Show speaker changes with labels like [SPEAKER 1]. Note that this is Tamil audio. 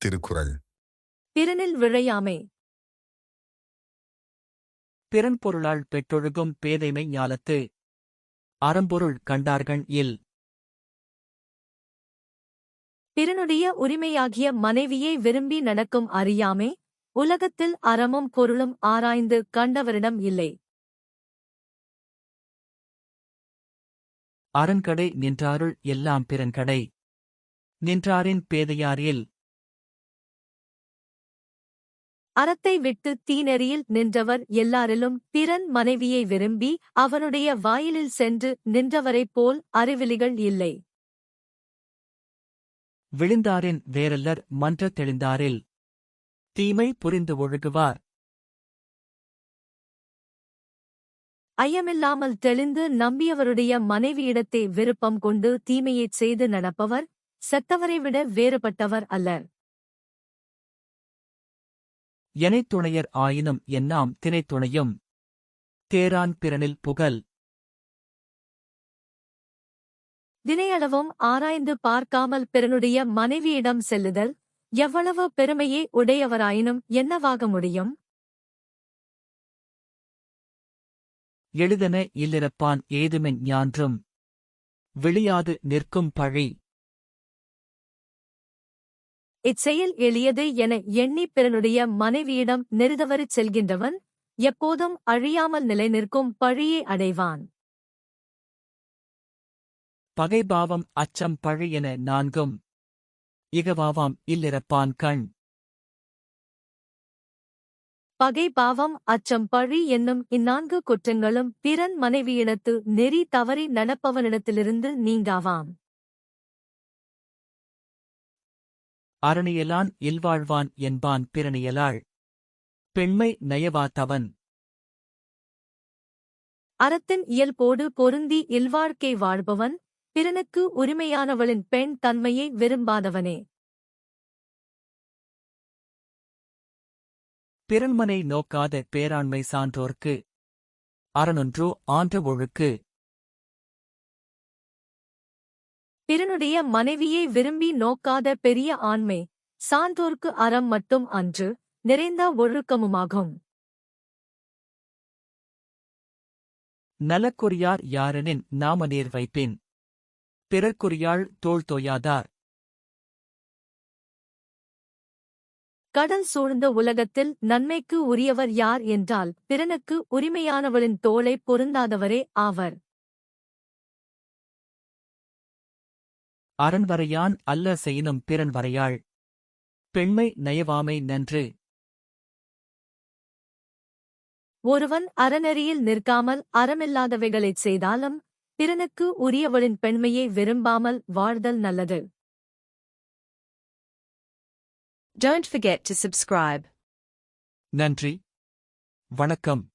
[SPEAKER 1] திருக்குறள்.
[SPEAKER 2] பிறனில் விழையாமை.
[SPEAKER 3] பிறன் பொருளால் பெற்றொழுகும் பேதைமை ஞாலத்து. அறம்பொருள் கண்டார்கண் இல்.
[SPEAKER 2] பிறனுடைய உரிமையாகிய மனைவியை விரும்பி நடக்கும் அறியாமை, உலகத்தில் அறமும் பொருளும் ஆராய்ந்து கண்டவரிடம் இல்லை.
[SPEAKER 3] அரண்கடை நின்றாருள் எல்லாம் பிறன்கடை. நின்றாரின் பேதையாரில்.
[SPEAKER 2] அறத்தை விட்டு தீநெறியில் நின்றவர் எல்லாரிலும் பிறன் மனைவியை விரும்பி அவனுடைய வாயிலில் சென்று நின்றவரைப் போல் அறிவிலிகள் இல்லை.
[SPEAKER 3] விழுந்தாரின் வேறல்லர் மன்ற தெளிந்தாரில். தீமை புரிந்து ஒழுகுவார்.
[SPEAKER 2] ஐயமில்லாமல் தெளிந்து நம்பியவருடைய மனைவியிடத்தே விருப்பம் கொண்டு தீமையைச் செய்து நடப்பவர் செத்தவரை விட வேறுபட்டவர் அல்லர்.
[SPEAKER 3] எனைத் துணையர் ஆயினும் என்னாம் தினைத் துணையும். தேரான் பிறனில் புகழ்.
[SPEAKER 2] தினையளவும் ஆராய்ந்து பார்க்காமல் பிறனுடைய மனைவியிடம் செல்லுதல் எவ்வளவு பெருமையே உடையவராயினும் என்னவாக முடியும்?
[SPEAKER 3] எளிதென இல்லிரப்பான் ஏதுமென் ஞான்றும். விழியாது நிற்கும் பழி.
[SPEAKER 2] இச்செயல் எளியது என எண்ணி பிறனுடைய மனைவியிடம் நெருதவரிச் செல்கின்றவன் எப்போதும் அழியாமல் நிலை நிற்கும் பழியை அடைவான்.
[SPEAKER 3] பகைபாவம் அச்சம் பழி என நான்கும். இகவாவாம் இல்லிரப்பான் கண்.
[SPEAKER 2] பகை பாவம் அச்சம் பழி என்னும் இந்நான்கு குற்றங்களும் பிறன் மனைவியிடத்து நெறி தவறி நடப்பவனிடத்திலிருந்து நீங்காவாம்.
[SPEAKER 3] அரணியலான் இல்வாழ்வான் என்பான் பிறனியலாள். பெண்மை நயவா தவன்.
[SPEAKER 2] அறத்தின் இயல்போடு பொருந்தி இல்வாழ்க்கை வாழ்பவன் பிறனுக்கு உரிமையானவளின் பெண் தன்மையை விரும்பாதவனே.
[SPEAKER 3] பிறன்மனை நோக்காத பேராண்மை சான்றோர்க்கு. அறனொன்றோ ஆன்ற ஒழுக்கு.
[SPEAKER 2] பிறனுடைய மனைவியை விரும்பி நோக்காத பெரிய ஆண்மை சான்றோர்க்கு அறம் மட்டும் அன்று நிறைந்த ஒழுக்கமுமாகும்.
[SPEAKER 3] நலக்குரியார் யாரெனின் நாம நேர் வைப்பின். பிறர்க்குரியாள் தோள் தோயாதார்.
[SPEAKER 2] கடல் சூழ்ந்த உலகத்தில் நன்மைக்கு உரியவர் யார் என்றால் பிறனுக்கு உரிமையானவளின் தோளை பொருந்தாதவரே ஆவர்.
[SPEAKER 3] அரண்வரையான் அல்ல செய்யினும் பிறன் வரையாள். பெண்மை நயவாமை நன்று.
[SPEAKER 2] ஒருவன் அறநெறியில் நிற்காமல் அறமில்லாதவைகளைச் செய்தாலும் பிறனுக்கு உரியவளின் பெண்மையை விரும்பாமல் வாழ்தல் நல்லது.
[SPEAKER 4] Don't forget to subscribe.
[SPEAKER 3] நன்றி. வணக்கம்.